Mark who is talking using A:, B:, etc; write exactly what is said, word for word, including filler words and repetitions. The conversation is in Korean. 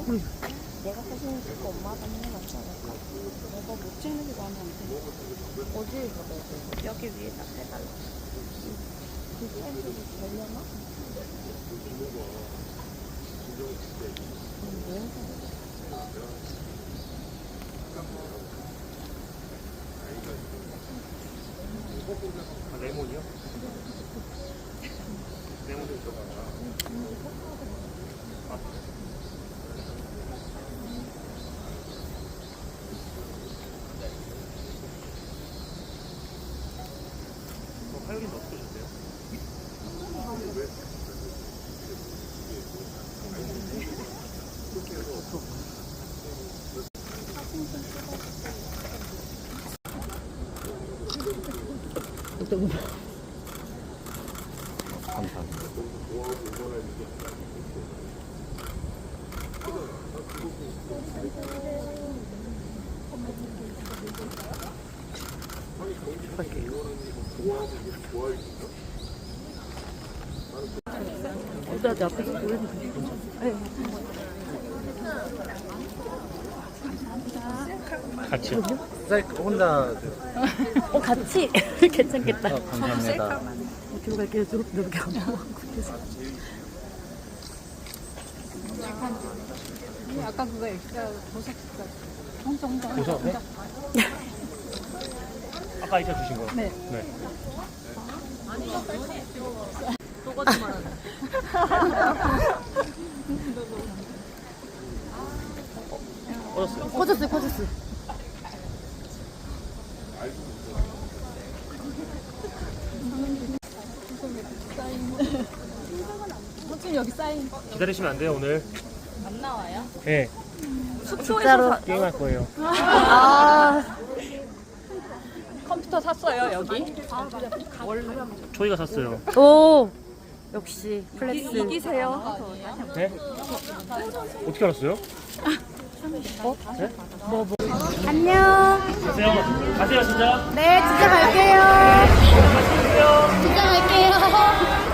A: 응. 내가 사진 찍고 엄마가 하는 게 낫지 않을까? 내가 못 찍는 게 마음에 안 드네. 어디에 받아야 돼? 여기 위에다 해달라. 그 사이즈로 되려나? 음, 왜
B: 아, 레몬이요? 레몬도 있어. 아. 어, 화요일은 어떻게 오셨어요?
A: 어떤 거?
B: 감사합니다.
A: 어디다 내 앞에서 보여주세요.
B: 같이요? 혼자.
A: 어, 같이? 괜찮겠다.
B: 어, 감사합니다.
A: 뒤로 갈게요. 뒤로 이렇게 안 보고.
C: 아까 그거 엑스트라 보석 혼자 혼자 혼자
B: 보석, 네? 아까 이차 주신 거?
C: 네.
B: 네. 꺼졌어요.
A: 꺼졌어요, 꺼졌어요.
C: 호준 여기 사인
B: 기다리시면 안 돼요, 오늘.
C: 안 나와요?
B: 네.
A: 숙소에서
B: 게임할 거예요.
A: 아,
C: 컴퓨터 샀어요 여기?
B: 초이가 샀어요.
A: 오, 역시 플렉스.
C: 이기세요.
B: 네? 어떻게 알았어요?
A: 안녕.
B: 가세요. 가세요, 진짜.
A: 네, 진짜 갈게요.
B: 가세요.
A: 진짜 갈게요.